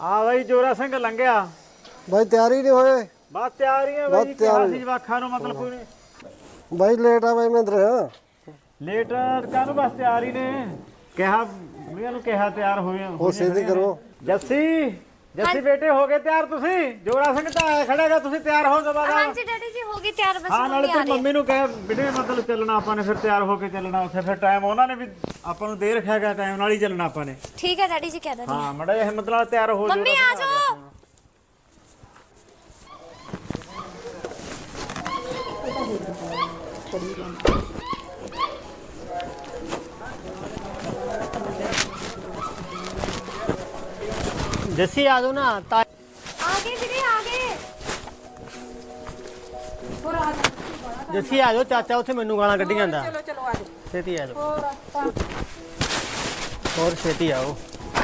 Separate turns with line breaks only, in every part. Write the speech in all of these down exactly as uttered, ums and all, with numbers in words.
ਆ ਬਾਈ ਜੋਰਾ ਸਿੰਘ ਲੰਘਿਆ
ਬਾਈ ਤਿਆਰੀ ਨਹੀਂ ਹੋਏ
ਬਸ ਤਿਆਰੀ ਹੈ ਬਾਈ ਕਿਹਾ ਸੀ ਜਵਾਖਾਂ ਨੂੰ ਮਤਲਬ ਕੋਈ ਨਹੀਂ
ਬਾਈ ਲੇਟ ਆ ਬਾਈ ਮਹਿੰਦਰ
ਲੇਟ ਕਾਹਨੂੰ ਬਸ ਤਿਆਰ ਹੀ ਨੇ ਕਿਹਾ ਬੁੜੀਆਂ ਨੂੰ ਕਿਹਾ ਤਿਆਰ ਹੋਏ
ਉਹ ਸਿੱਧੀ ਕਰੋ
ਜੱਸੀ ਜੱਸੀ ਬੇਟੇ ਹੋ ਗਏ ਤਿਆਰ ਤੁਸੀਂ ਜੋਰਾ ਸਿੰਘ ਤਾਂ ਆਇਆ ਖੜਾਗਾ ਤੁਸੀਂ ਤਿਆਰ ਹੋ ਦਬਾਦਾ
ਹਾਂਜੀ ਡੈਡੀ ਜੀ ਹੋ ਗਈ ਤਿਆਰ ਬਸ
ਹਾਂ ਨਾਲੇ ਤੂੰ ਮੰਮੀ ਨੂੰ ਕਹਿ ਬਿਨੇ ਮਤਲਬ ਚੱਲਣਾ ਆਪਾਂ ਨੇ ਫਿਰ ਤਿਆਰ ਹੋ ਕੇ ਚੱਲਣਾ ਉੱਥੇ ਫਿਰ ਟਾਈਮ ਉਹਨਾਂ ਨੇ ਵੀ ਆਪਾਂ ਨੂੰ ਦੇ ਰੱਖਿਆਗਾ ਟਾਈਮ ਨਾਲ ਹੀ ਚੱਲਣਾ ਆਪਾਂ ਨੇ
ਠੀਕ ਹੈ ਡੈਡੀ ਜੀ ਕਹਿ ਦਿੰਦੀ
ਹਾਂ ਮੜਾ ਇਹ ਹਿੰਮਤ ਨਾਲ ਤਿਆਰ ਹੋ
ਮੰਮੀ ਆ ਜਾਓ
जस्सी आ जाओ ना ता
आगे ਵੀਰੇ आगे ਹੋਰ ਆ ਜਾ
जस्सी आ जाओ चाचा उथे मेनू गाना कड्डी जांदा
चलो चलो आ जाओ
छेती आ जाओ
और रास्ता
और छेती आओ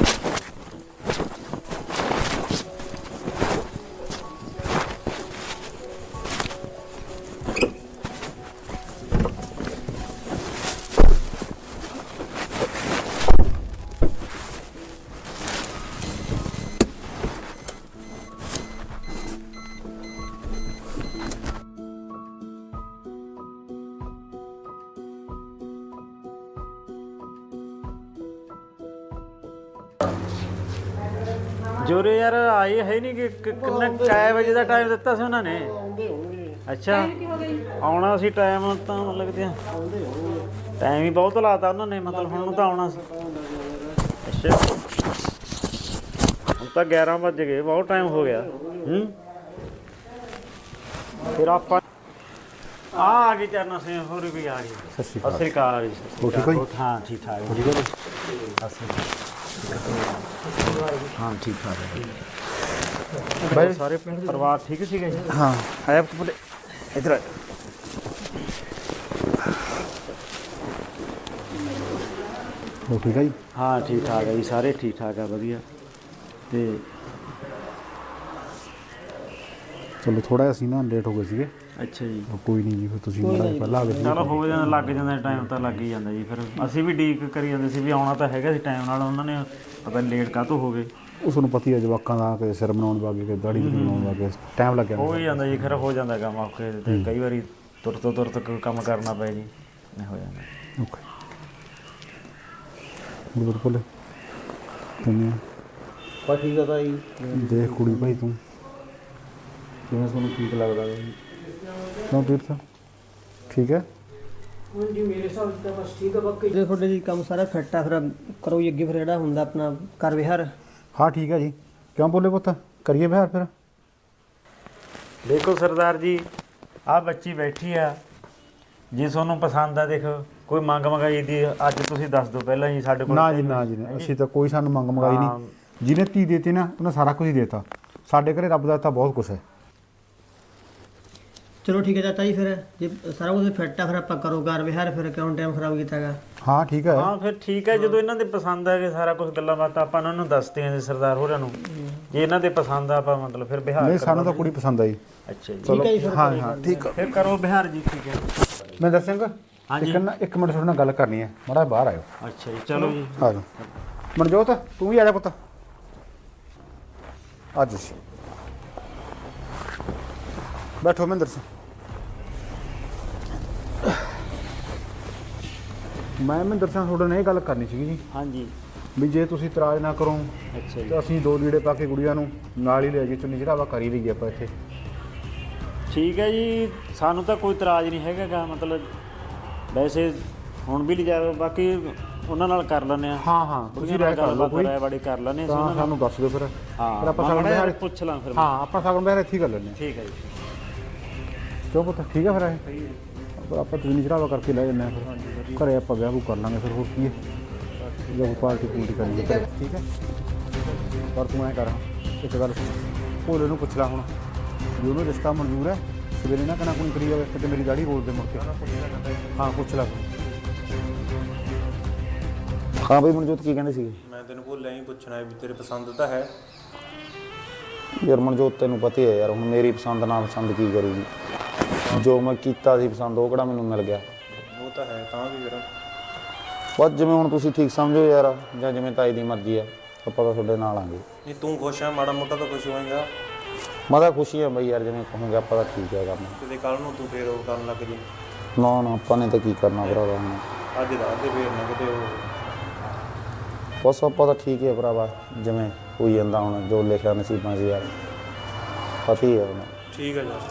ਜੋਰੇ ਯਾਰ ਆਏ ਹੈ ਨਹੀਂ ਕਿ ਕਿੰਨਾ ਕਾਇ ਵਜੇ ਦਾ ਟਾਈਮ ਦਿੱਤਾ ਸੀ ਉਹਨਾਂ ਨੇ ਅੱਛਾ ਆਉਣਾ ਸੀ ਟਾਈਮ ਤਾਂ ਲੱਗਦੇ ਆ ਟਾਈਮ ਹੀ ਬਹੁਤ ਲਾਤਾ ਉਹਨਾਂ ਨੇ ਮਤਲਬ ਹੁਣ ਨੂੰ ਤਾਂ ਆਉਣਾ ਸੀ ਅੱਛਾ ਹੁਣ ਤਾਂ ਗਿਆਰਾਂ ਵੱਜ ਗਏ ਬਹੁਤ ਟਾਈਮ ਹੋ ਗਿਆ ਹੂੰ ਫਿਰ ਆਪਾਂ ਆ ਆ ਗਈ ਚਰਨਾ ਸਿੰਘ ਹੋਰ ਵੀ ਆ ਗਈ ਸਤਿ ਸ਼੍ਰੀ ਅਕਾਲ ਜੀ
ਠੀਕ ਹੋ
ਹਾਂ ਠੀਕ ਠਾਕ
ਠੀਕ ਹੈ
ਹਾਂ ਠੀਕ ਠਾਕ ਹੈ ਬਾਈ ਸਾਰੇ ਪਰਿਵਾਰ ਠੀਕ ਸੀਗੇ ਜੀ
ਹਾਂ
ਆਇਆ ਪੁੱਤ ਇਧਰ ਆ
ਉਹ ਠੀਕ ਹੈ ਜੀ
ਹਾਂ ਠੀਕ ਠਾਕ ਹੈ ਜੀ ਸਾਰੇ ਠੀਕ ਠਾਕ ਆ ਵਧੀਆ ਤੇ
ਚਲੋ ਥੋੜਾ ਅਸੀਂ ਨਾ ਲੇਟ ਹੋ ਗਏ ਸੀਗੇ
ਅੱਛਾ ਜੀ
ਕੋਈ ਨਹੀਂ ਜੀ ਫਿਰ ਤੁਸੀਂ ਮਾੜਾ ਪਹਿਲਾਂ ਆ ਗਏ
ਚਲੋ ਹੋ ਜਾਂਦਾ ਲੱਗ ਜਾਂਦਾ ਟਾਈਮ ਤਾਂ ਲੱਗ ਹੀ ਜਾਂਦਾ ਜੀ ਫਿਰ ਅਸੀਂ ਵੀ ਡੀਕ ਕਰੀ ਜਾਂਦੇ ਸੀ ਵੀ ਆਉਣਾ ਤਾਂ ਹੈਗਾ ਸੀ ਟਾਈਮ ਨਾਲ ਉਹਨਾਂ ਨੇ ਪਤਾ ਲੇਟ ਕਾਹਤੋਂ ਹੋ ਗਏ
ਉਹ ਤੁਹਾਨੂੰ ਪਤਾ ਹੀ ਹੈ ਜਵਾਕਾਂ ਦਾ ਕਿ ਸਿਰ ਬਣਾਉਣ ਵਾਗੇ ਕਿ ਦਾੜੀ ਬਣਾਉਣ ਵਾਗੇ ਟਾਈਮ ਲੱਗ ਜਾਂਦਾ
ਹੋ ਹੀ ਜਾਂਦਾ ਜੀ ਫਿਰ ਹੋ ਜਾਂਦਾ ਕੰਮ ਔਖੇ ਤੇ ਕਈ ਵਾਰੀ ਤੁਰ ਤੋਂ ਤੁਰ ਤੱਕ ਕੰਮ ਕਰਨਾ ਪਏ ਜੀ ਨਹੀਂ ਹੋ ਜਾਂਦਾ
ਓਕੇ ਬਿਲਕੁਲ ਕਿਵੇਂ
पा ठीक है भाई
ਦੇਖ ਕੁੜੀ ਭਾਈ ਤੂੰ
किवें ਤੁਹਾਨੂੰ ठीक लगदा है
ਕਿਉਂ ਤੀਰਥ ਠੀਕ ਹੈ
हाँ जी मेरे हिसाब से बस ठीक है बाकी जे ਤੁਹਾਡੇ ਜੀ ਕੰਮ ਸਾਰਾ ਫਿੱਟ ਆ ਫਿਰ ਕਰੋ ਜੀ ਅੱਗੇ ਫਿਰ ਜਿਹੜਾ ਹੁੰਦਾ ਆਪਣਾ ਕਰ ਵਿਹਾਰ
ਹਾਂ ਠੀਕ ਹੈ ਜੀ ਕਿਉਂ ਬੋਲੇ ਪੁੱਤ ਕਰੀਏ ਵਿਹਾਰ ਫਿਰ
ਦੇਖੋ ਸਰਦਾਰ ਜੀ ਆਹ ਬੱਚੀ ਬੈਠੀ ਆ ਜੇ ਤੁਹਾਨੂੰ ਪਸੰਦ ਆ ਦੇਖੋ ਕੋਈ ਮੰਗ ਮੰਗਾਈ ਦੀ ਅੱਜ ਤੁਸੀਂ ਦੱਸ ਦਿਓ ਪਹਿਲਾਂ ਜੀ ਸਾਡੇ ਕੋਲ
ਨਾ ਜੀ ਨਾ ਜੀ ਅਸੀਂ ਤਾਂ ਕੋਈ ਸਾਨੂੰ ਮੰਗ ਮੰਗਾਈ ਨਹੀਂ ਜਿਹਨੇ ਧੀ ਦੇਤੀ ਨਾ ਉਹਨੇ ਸਾਰਾ ਕੁਝ ਹੀ ਦੇਤਾ ਸਾਡੇ ਘਰੇ ਰੱਬ ਦਾ ਤਾਂ ਬਹੁਤ ਕੁਝ ਹੈ
ਚਲੋ ਠੀਕ ਹੈ ਚਾਚਾ ਜੀ ਫਿਰ ਜੇ ਸਾਰਾ ਕੁਝ ਫਿੱਟ ਆ ਫਿਰ ਆਪਾਂ ਕਰੋ ਕਰ ਵਿਹਾਰ ਫਿਰ ਕਿਉਂ ਟਾਈਮ ਖਰਾਬ ਕੀਤਾਗਾ
ਹਾਂ ਠੀਕ ਹੈ
ਹਾਂ ਫਿਰ ਠੀਕ ਹੈ ਜਦੋਂ ਇਹਨਾਂ ਦੇ ਪਸੰਦ ਆ ਕਿ ਸਾਰਾ ਕੁਝ ਗੱਲਾਂ ਬਾਤਾਂ ਆਪਾਂ ਉਹਨਾਂ ਨੂੰ ਦੱਸਦੇ ਆਂ ਜੀ ਸਰਦਾਰ ਹੋਰਾਂ ਨੂੰ ਜੇ ਇਹਨਾਂ ਦੇ ਪਸੰਦ ਆ ਆਪਾਂ ਮਤਲਬ ਫਿਰ ਬਿਹਾਰ
ਨਹੀਂ ਸਾਨੂੰ ਤਾਂ ਕੁੜੀ ਪਸੰਦ ਆਈ
ਅੱਛਾ ਜੀ
ਠੀਕ ਹੈ ਜੀ ਫਿਰ
ਹਾਂ ਹਾਂ ਠੀਕ
ਫਿਰ ਕਰੋ ਬਿਹਾਰ ਜੀ ਠੀਕ ਹੈ
ਮਹਿੰਦਰ ਸਿੰਘ
ਹਾਂਜੀ।
ਇੱਕ ਨਾ ਇੱਕ ਮਿੰਟ ਤੁਹਾਡੇ ਨਾਲ ਗੱਲ ਕਰਨੀ ਹੈ ਮਾੜਾ ਜਿਹਾ ਬਾਹਰ ਆਇਓ
ਅੱਛਾ ਜੀ ਚਲੋ ਜੀ
ਆ ਜਾਓ ਮਨਜੋਤ ਤੂੰ ਵੀ ਆ ਜਾ ਪੁੱਤ ਅੱਜ ਸੀ ਬੈਠੋ ਮਹਿੰਦਰ ਸਿੰਘ ਮੈਂ ਮਹਿੰਦਰ ਸਿੰਘ ਤੁਹਾਡੇ ਨਾਲ ਇਹ ਗੱਲ ਕਰਨੀ ਸੀਗੀ ਜੀ
ਹਾਂਜੀ
ਵੀ ਜੇ ਤੁਸੀਂ ਇਤਰਾਜ਼ ਨਾ ਕਰੋ
ਅੱਛਾ ਜੀ
ਤਾਂ ਅਸੀਂ ਦੋ ਲੀੜੇ ਪਾ ਕੇ ਗੁੜੀਆਂ ਨੂੰ ਨਾਲ ਹੀ ਲੈ ਜੀ ਚੁੰਨੀ ਚੜਾਵਾ ਕਰ ਹੀ ਲਈਏ ਆਪਾਂ ਇੱਥੇ
ਠੀਕ ਹੈ ਜੀ ਸਾਨੂੰ ਤਾਂ ਕੋਈ ਇਤਰਾਜ਼ ਨਹੀਂ ਹੈਗਾ ਮਤਲਬ ਵੈਸੇ ਹੁਣ ਵੀ ਲਿਜਾ ਬਾਕੀ ਉਹਨਾਂ ਨਾਲ ਕਰ ਲੈਂਦੇ ਆ
ਹਾਂ ਹਾਂ ਤੁਸੀਂ ਰਾਇ ਕਰ ਲਓ ਕੋਈ
ਬੜੀ ਕਰ ਲੈਂਦੇ ਆ
ਤਾਂ ਸਾਨੂੰ ਦੱਸ ਦਿਓ ਫਿਰ
ਹਾਂ
ਫਿਰ ਆਪਾਂ
ਮੈਂ
ਸਗਨ
ਮਾੜਾ ਜਿਹਾ
ਬਿਹਾਰ
ਪੁੱਛ ਲਾਂ ਫਿਰ
ਹਾਂ ਆਪਾਂ ਸਗਨ ਬਿਹਾਰ ਇੱਥੇ ਹੀ ਕਰ ਲੈਂਦੇ ਹਾਂ
ਠੀਕ ਹੈ ਜੀ
ਕਿਉਂ ਪੁੱਤ ਠੀਕ ਹੈ ਫਿਰ ਇਹ ਪਰ ਆਪਾਂ ਚੁੰਨੀ ਚੜਾਵਾ ਕਰਕੇ ਲੈ ਜੰਨੇ ਆ ਫਿਰ ਘਰੇ ਆਪਾਂ ਵਿਆਹ ਵੂ ਕਰ ਲਾਂਗੇ ਫਿਰ ਹੋਰ ਕੀ ਹੈ ਜਾਂ ਕੋਈ ਪਾਰਟੀ ਪੂਰਟੀ ਕਰਾਂਗੇ ਘਰੇ, ਠੀਕ ਹੈ ਪਰ ਤੂੰ ਐਂ ਕਰ ਇੱਕ ਗੱਲ ਭੋਲੇ ਨੂੰ ਪੁੱਛ ਲੈ ਹੁਣ ਜੇ ਉਹਨੂੰ ਰਿਸ਼ਤਾ ਮਨਜ਼ੂਰ ਹੈ ਸਵੇਰੇ ਨਾ ਕਨਾ ਕੋਈ ਕਰੀ ਜਾਵੇ ਕਿਤੇ ਮੇਰੀ ਦਾੜੀ ਰੋਲ ਦੇ ਮੁੜ ਕੇ ਹਾਂ ਪੁੱਛ ਲੈ ਹਾਂ ਬਈ ਮਨਜੋਤ ਕੀ ਕਹਿੰਦੇ ਸੀਗੇ
ਮੈਂ ਤੈਨੂੰ ਭੁੱਲਿਆ ਹੀ ਪੁੱਛਣਾ ਵੀ ਤੇਰੇ ਪਸੰਦ ਤਾਂ ਹੈ
ਯਾਰ ਮਨਜੋਤ ਤੈਨੂੰ ਪਤਾ ਹੀ ਹੈ ਯਾਰ ਹੁਣ ਮੇਰੀ ਪਸੰਦ ਨਾਲ ਪਸੰਦ ਕੀ ਕਰੂਗੀ ਜੋ ਮੈਂ ਕੀਤਾ ਸੀ ਪਸੰਦ ਉਹ ਕਿਹੜਾ ਮੈਨੂੰ ਮਿਲ ਗਿਆ
ਉਹ ਤਾਂ ਹੈ ਤਾਂ ਵੀ ਫਿਰ
ਬਸ ਜਿਵੇਂ ਹੁਣ ਤੁਸੀਂ ਠੀਕ ਸਮਝੋ ਯਾਰ ਜਾਂ ਜਿਵੇਂ ਤਾਈ ਦੀ ਮਰਜ਼ੀ ਹੈ ਆਪਾਂ ਤਾਂ ਤੁਹਾਡੇ ਨਾਲ ਆਂਗੇ।
ਨਹੀਂ ਤੂੰ ਖੁਸ਼ ਆ, ਮਾੜਾ ਮੋਟਾ ਤਾਂ ਖੁਸ਼ ਹੋਏਗਾ।
ਮੈਂ ਤਾਂ ਖੁਸ਼ੀ ਆ ਬਈ ਯਾਰ, ਜਿਵੇਂ ਕਹੋਗੇ ਆਪਾਂ ਤਾਂ ਠੀਕ ਹੈ ਕੰਮ।
ਕਿਤੇ ਕੱਲ ਨੂੰ ਤੂੰ ਫੇਰ ਉਹ ਕਰਨ ਲੱਗ ਜੀ।
ਨਾ ਨਾ ਆਪਾਂ ਨੇ ਤਾਂ ਕੀ ਕਰਨਾ ਭਰਾਵਾ ਹੁਣ।
ਅੱਜ ਰਾਤ ਦੇ ਫੇਰ ਨਾ ਕਿਤੇ ਉਹ
ਬਸ ਆਪਾਂ ਤਾਂ ਠੀਕ ਹੈ ਭਰਾਵਾ, ਜਿਵੇਂ ਹੋਈ ਜਾਂਦਾ ਹੁਣ, ਜੋ ਲਿਖਿਆ ਨਸੀਬਾਂ 'ਚ ਯਾਰ ਪਤਾ ਹੀ ਹੈ ਹੁਣ।
ਠੀਕ ਹੈ ਜੀ।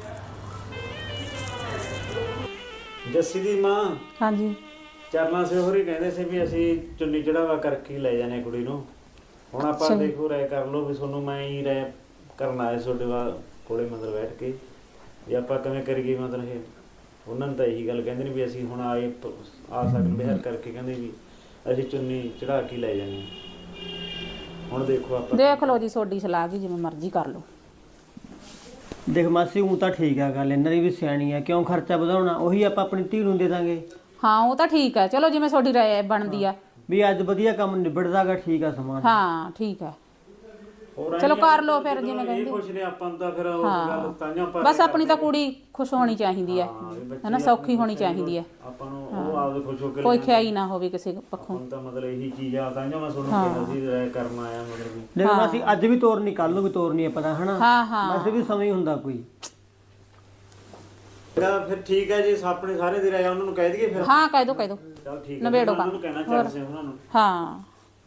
ਜੱਸੀ ਦੀ ਮਾਂ
ਹਾਂਜੀ
ਚਰਨਾ ਸੇ ਹੋਰੀ ਕਹਿੰਦੇ ਸੀ ਵੀ ਅਸੀਂ ਚੁੰਨੀ ਚੜਾਵਾ ਕਰਕੇ ਹੀ ਲੈ ਜਾਣੇ ਕੁੜੀ ਨੂੰ। ਹੁਣ ਆਪਾਂ ਦੇਖੋ ਰਾਏ ਕਰ ਲਓ ਵੀ ਤੁਹਾਨੂੰ ਮੈਂ ਹੀ ਰਾਏ ਕਰਨ ਆਇਆ ਤੁਹਾਡੇ ਵਾ ਕੋਲੇ ਮਤਲਬ ਬੈਠ ਕੇ ਵੀ ਆਪਾਂ ਕਿਵੇਂ ਕਰੀਏ। ਮਤਲਬ ਇਹ ਉਹਨਾਂ ਨੇ ਤਾਂ ਇਹੀ ਗੱਲ ਕਹਿੰਦੇ ਨੇ ਵੀ ਅਸੀਂ ਹੁਣ ਆਏ ਪ- ਆ ਸਕਣ ਬਿਹਾਰ ਕਰਕੇ ਕਹਿੰਦੇ ਵੀ ਅਸੀਂ ਚੁੰਨੀ ਚੜਾ ਕੇ ਲੈ ਜਾਣੀ। ਹੁਣ ਦੇਖੋ ਆਪਾਂ
ਦੇਖ ਲਓ ਜੀ, ਤੁਹਾਡੀ ਸਲਾਹ ਕੀ ਜਿਵੇਂ ਮਰਜ਼ੀ ਕਰ ਲਓ।
ਦੇਖ ਮਾਸੀ ਉਹ ਤਾਂ ਠੀਕ ਆ ਗੱਲ, ਇਹਨਾਂ ਦੀ ਵੀ ਸਿਆਣੀ ਆ, ਕਿਉਂ ਖਰਚਾ ਵਧਾਉਣਾ, ਉਹੀ ਆਪਾਂ ਆਪਣੀ ਧੀ ਨੂੰ ਦੇ ਦਾਂਗੇ।
ਹਾਂ ਉਹ ਤਾਂ ਠੀਕ ਹੈ, ਚਲੋ ਜਿਵੇਂ ਤੁਹਾਡੀ ਰਾਏ ਬਣਦੀ ਆ।
ਵੀ ਅੱਜ ਵਧੀਆ ਕੰਮ ਨਿਬੜਦਾਗਾ, ਠੀਕ ਆ ਸਮਾਨ।
ਹਾਂ ਠੀਕ ਹੈ,
ਹੋਰ ਐਂ
ਚਲੋ
ਹੀ
ਕਰ ਲਓ
ਆ,
ਫਿਰ
ਜਦੋਂ
ਜਿਵੇਂ
ਇਹ
ਕਹਿੰਦੇ।
ਕੁਛ ਨੇ ਆਪਾਂ ਨੂੰ ਤਾਂ ਫਿਰ ਉਹ ਗੱਲ ਤਾਂਹੀਓ ਆਪਾਂ
ਬਸ ਆਪਣੀ ਤਾਂ ਕੁੜੀ ਖੁਸ਼ ਹੋਣੀ ਚਾਹੀਦੀ ਹੈ,
ਹਾਂ, ਵੀ ਬੱਚੇ
ਹੈ ਨਾ, ਸੌਖੀ ਹੋਣੀ ਚਾਹੀਦੀ ਹੈ,
ਆਪਾਂ ਨੂੰ ਉਹ ਆਪਦੇ ਖੁਸ਼ ਹੋ ਕੇ
ਕੋਈ ਖਿਆਈ ਨਾ ਹੋਵੇ ਕਿਸੇ ਪੱਖੋਂ।
ਹੁਣ ਤਾਂ ਮਤਲਬ ਇਹੀ ਚੀਜ਼ ਆ, ਤਾਂਹੀਓ ਮੈਂ ਤੁਹਾਨੂੰ ਕਿਹਾ ਸੀ ਰਾਏ ਕਰਨ ਆਇਆ ਮਤਲਬ ਵੀ।
ਦੇਖ ਮਾਸੀ ਅੱਜ ਵੀ ਤੋਰਨੀ, ਕੱਲ ਨੂੰ ਵੀ ਤੋਰਨੀ ਹੈ, ਪਤਾ ਹਨਾ।
ਹਾਂ ਹਾਂ
ਵੈਸੇ ਵੀ ਸਮੇਂ ਹੀ ਹੁੰਦਾ ਕੋਈ।
ਫਿਰ ਫਿਰ ਠੀਕ ਹੈ ਜੀ, ਆਪਣੇ ਸਾਰੇ ਦੀ ਰਾਏ ਉਹਨਾਂ ਨੂੰ ਕਹਿ ਦਈਏ ਫਿਰ।
ਹਾਂ ਕਹਿ ਦੋ ਕਹਿ ਦੋ
ਚਲ ਠੀਕ ਹੈ,
ਨਵੇੜੋ
ਉਹਨਾਂ ਨੂੰ ਕਹਿਣਾ ਚੱਲ ਸੇ ਉਹਨਾਂ ਨੂੰ।
ਹਾਂ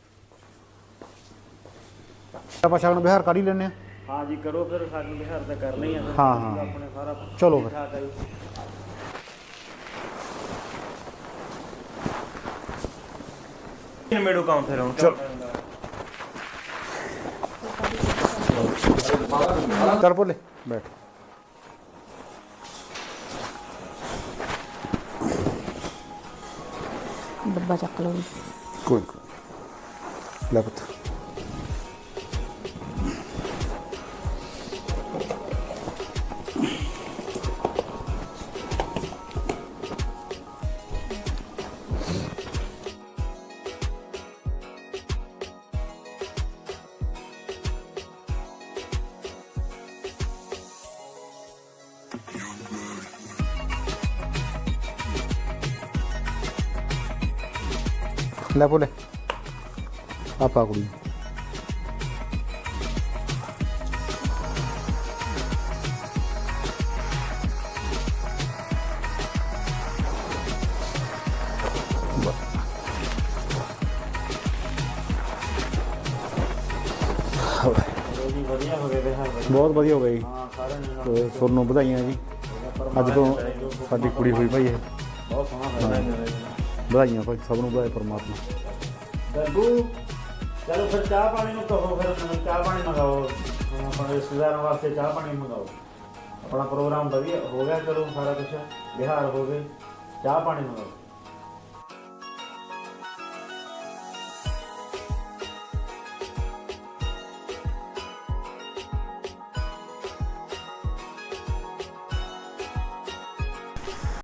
ਆਪਾਂ ਸ਼ਗਨ ਵਿਹਾਰ ਕਰ ਹੀ ਲੈਂਦੇ ਆ।
ਹਾਂ ਜੀ ਕਰੋ ਫਿਰ, ਸਾਨੂੰ ਬਿਹਾਰ ਤਾਂ ਕਰਨਾ ਹੀ ਆ ਫਿਰ।
ਹਾਂ, ਹਾਂ।
ਆਪਣੇ ਸਾਰਾ
ਚਲੋ ਫਿਰ।
ਠੀਕ ਠਾਕ ਆ ਜੀ।
ਨਿਬੇੜੋ ਕੰਮ ਫਿਰ ਹੁਣ।
ਚੱਲ ਭੋਲੇ ਬੈਠ।
ਡੱਬਾ ਚੱਕ ਲਓ ਜੀ।
ਕੋਈ ਕੋਈ ਲੈ ਪੁੱਤ। ਲੈ ਭੋਲੇ ਆਪਾ ਕੁੜੀ
ਜੀ ਵਧੀਆ ਹੋ ਗਏ ਬਿਹਾਰ ਵਧੀਆ।
ਬਹੁਤ ਵਧੀਆ ਹੋ ਗਈ।
ਹਾਂ ਸਾਰਿਆਂ ਨੇ
ਤੇ ਤੁਹਾਨੂੰ ਵਧਾਈਆਂ ਜੀ, ਅੱਜ ਤੋਂ ਸਾਡੀ ਕੁੜੀ ਹੋਈ ਭਾਈ ਇਹ।
ਬਹੁਤ ਸੋਹਣਾ ਹੋਇਆ।
ਵਧਾਈਆਂ ਭਾਈ, ਸਭ ਨੂੰ ਵਧਾਏ ਪਰਮਾਤਮਾ।
ਗੱਗੂ ਚਲੋ ਫਿਰ ਚਾਹ ਪਾਣੀ ਨੂੰ ਕਹੋ, ਫਿਰ ਮੈਨੂੰ ਚਾਹ ਪਾਣੀ ਮੰਗਾਓ। ਹੁਣ ਆਪਣੇ ਰਿਸ਼ਤੇਦਾਰਾਂ ਵਾਸਤੇ ਚਾਹ ਪਾਣੀ ਮੰਗਾਓ। ਆਪਣਾ ਪ੍ਰੋਗਰਾਮ ਵਧੀਆ ਹੋ ਗਿਆ, ਚਲੋ ਸਾਰਾ ਕੁਝ ਬਿਹਾਰ ਹੋ ਗਏ, ਚਾਹ ਪਾਣੀ ਮੰਗਾਓ।